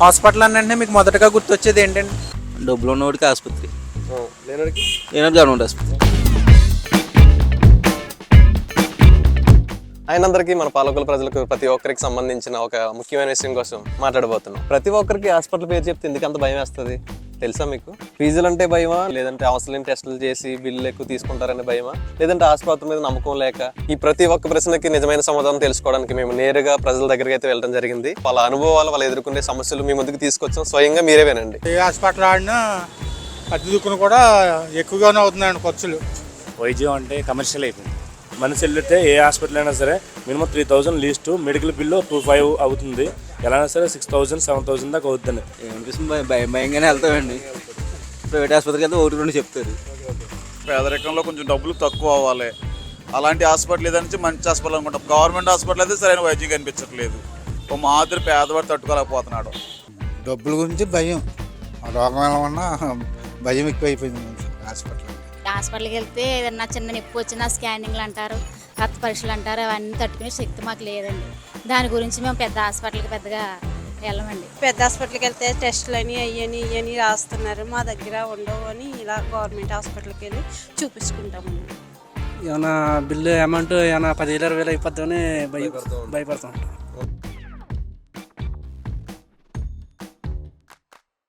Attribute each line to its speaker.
Speaker 1: Hospital అంటే మీకు మొదటగా గుర్తొచ్చేది ఏంటండి?
Speaker 2: డబ్బులు ఉన్నవాడికి ఆసుపత్రి,
Speaker 3: లేనడికి
Speaker 2: లేనప్పుడు గవర్నమెంట్ ఆసుపత్రి.
Speaker 3: ఆయనందరికీ మన పాలకుల ప్రజలకు ప్రతి ఒక్కరికి సంబంధించిన ఒక ముఖ్యమైన విషయం కోసం మాట్లాడబోతున్నాం. ప్రతి ఒక్కరికి హాస్పిటల్ పేరు చెప్తే ఎందుకు అంత భయం వేస్తుంది తెలుసా మీకు? ఫీజులు అంటే భయమా, లేదంటే అవసరం టెస్టులు చేసి బిల్లు ఎక్కువ తీసుకుంటారనే భయమా, లేదంటే ఆసుపత్రి మీద నమ్మకం లేక? ఈ ప్రతి ఒక్క ప్రశ్నకి నిజమైన సమాధానం తెలుసుకోవడానికి మేము నేరుగా ప్రజల దగ్గరికి అయితే వెళ్ళడం జరిగింది. వాళ్ళ అనుభవాలు, వాళ్ళు ఎదుర్కొనే సమస్యలు మీ ముందుకు తీసుకొచ్చాం. స్వయంగా మీరే వినండి.
Speaker 4: ఏ హాస్పిటల్ ఆడినా అద్దె దుక్కును కూడా ఎక్కువగానే అవుతున్నాయండి ఖర్చులు.
Speaker 5: వైద్యం అంటే కమర్షియల్ అయిపోయింది. మనిషి వెళ్తే ఏ హాస్పిటల్ అయినా సరే మినిమం 3000 లీస్ట్, మెడికల్ బిల్లు 2500 అవుతుంది. ఎలా అయినా సరే 6000 7000 దాకా అవుతుంది.
Speaker 2: ఏమనిపిస్తుంది, భయంగానే వెళ్తామండి. ప్రైవేట్ ఆసుపత్రికి వెళ్తే 1-2 చెప్తారు.
Speaker 6: పేదరికంలో కొంచెం డబ్బులు తక్కువ అవ్వాలి, అలాంటి హాస్పిటల్ ఏదంటే మంచి హాస్పిటల్ అనుకుంటాం. గవర్నమెంట్ హాస్పిటల్ అయితే సరైన వైద్యం కనిపించట్లేదు. ఓ మాదిరి పేదవాడు తట్టుకోలేకపోతున్నాడు.
Speaker 7: డబ్బుల గురించి భయం, రోగం ఎలా ఉన్నా భయం ఎక్కువైపోయింది
Speaker 8: హాస్పిటల్కి వెళ్తే ఏదన్నా చిన్న నొప్పి వచ్చినా స్కానింగ్లు అంటారు, రక్త పరీక్షలు అంటారు. అవన్నీ తట్టుకునే శక్తి మాకు లేదండి. దాని గురించి మేము పెద్ద హాస్పిటల్కి పెద్దగా వెళ్ళమండి.
Speaker 9: పెద్ద హాస్పిటల్కి వెళ్తే టెస్టులు అని ఇవన్నీ రాస్తున్నారు, మా దగ్గర ఉండవు అని ఇలా గవర్నమెంట్ హాస్పిటల్కి వెళ్ళి చూపించుకుంటామండి.
Speaker 10: ఏమైనా బిల్లు అమౌంట్ ఏమైనా 10,000 20,000 అయిపోద్దామని భయపడుతూ ఉంటాం.